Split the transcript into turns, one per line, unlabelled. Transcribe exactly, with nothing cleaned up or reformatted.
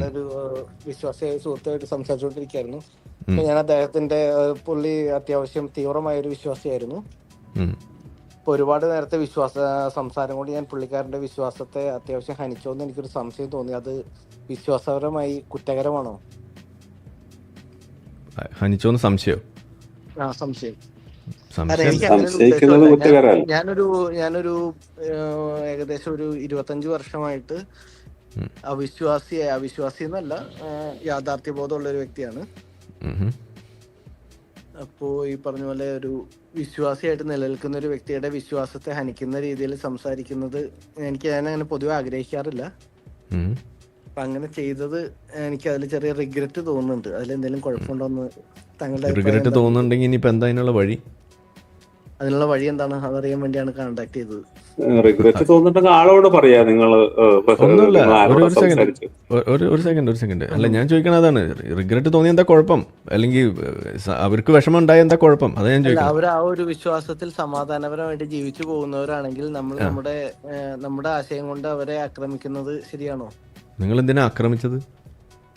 ഒരു ഏഹ്, വിശ്വാസിയായ സുഹൃത്തുമായിട്ട് സംസാരിച്ചുകൊണ്ടിരിക്കുകയായിരുന്നു. അപ്പൊ ഞാൻ അദ്ദേഹത്തിന്റെ ഏഹ്, പുള്ളി അത്യാവശ്യം തീവ്രമായ ഒരു വിശ്വാസിയായിരുന്നു.
ഉം.
ഇപ്പൊ ഒരുപാട് നേരത്തെ വിശ്വാസ സംസാരം കൊണ്ട് ഞാൻ പുള്ളിക്കാരന്റെ വിശ്വാസത്തെ അത്യാവശ്യം ഹനിച്ചോ എന്ന് എനിക്കൊരു സംശയം തോന്നി. അത് വിശ്വാസപരമായി കുറ്റകരമാണോ?
ഹനിച്ചോന്ന് സംശയം
ആ സംശയം. കാരണം
സംശയം
എനിക്ക് അങ്ങനെ ഒരു
സംശയിക്കുന്നത്
ഉദ്ദേശമല്ല. ഞാൻ
കുറ്റകരമല്ല.
ഞാനൊരു ഞാനൊരു ഏഹ്, ഏകദേശം ഒരു ഇരുപത്തഞ്ച് വർഷമായിട്ട്
ഉം.
അവിശ്വാസി അവിശ്വാസി എന്നല്ല, ഏഹ്, യാഥാർത്ഥ്യബോധമുള്ള ഒരു വ്യക്തിയാണ്.
ഉം.
അപ്പോ ഈ പറഞ്ഞ പോലെ ഒരു വിശ്വാസിയായിട്ട് നിലനിൽക്കുന്ന ഒരു വ്യക്തിയുടെ വിശ്വാസത്തെ ഹനിക്കുന്ന രീതിയിൽ സംസാരിക്കുന്നത് എനിക്ക് ഞാൻ അങ്ങനെ പൊതുവെ ആഗ്രഹിക്കാറില്ല.
ഉം.
അപ്പൊ അങ്ങനെ ചെയ്തത് എനിക്ക് അതിൽ ചെറിയ റിഗ്രറ്റ് തോന്നുന്നുണ്ട്. അതിൽ എന്തെങ്കിലും കുഴപ്പമുണ്ടോന്ന് താങ്കളുടെ അഭിപ്രായം
റിഗ്രറ്റ്
എന്താണ്?
തോന്നുന്നുണ്ടെങ്കിൽ ഇനിയിപ്പോൾ എന്താ അതിനുള്ള വഴി?
അതിനുള്ള വഴി എന്താണ് അതറിയാൻ വേണ്ടിയാണ് കോണ്ടാക്ട് ചെയ്തത്.
റിഗ്രറ്റ് തോന്നുന്നുണ്ടെങ്കിൽ ആളോട് പറയാ നിങ്ങൾ
ഒന്നുമില്ല,
നിങ്ങൾ
ഒരു
ആരോട്
ഒരു സെക്കൻഡ്
സംസാരിച്ചു.
ഒരു ഒരു സെക്കൻഡ് ഒരു സെക്കൻഡ് അല്ല, ഞാൻ ചോദിക്കണത് അതാണ്. റിഗ്രറ്റ് തോന്നിയ എന്താ കുഴപ്പം? അല്ലെങ്കിൽ സ- അവർക്ക് വിഷമം ഉണ്ടായ എന്താ കുഴപ്പം? അതാ ഞാൻ
അല്ല,
ചോദിക്കണം.
അവർ ആ ഒരു വിശ്വാസത്തിൽ സമാധാനപരമായിട്ട് ജീവിച്ചു പോകുന്നവരാണെങ്കിൽ നമ്മൾ
ആ
നമ്മുടെ ഏഹ്, നമ്മുടെ ആശയം കൊണ്ട് അവരെ ആക്രമിക്കുന്നത് ശരിയാണോ?
നിങ്ങൾ എന്തിനാ ആക്രമിച്ചത്?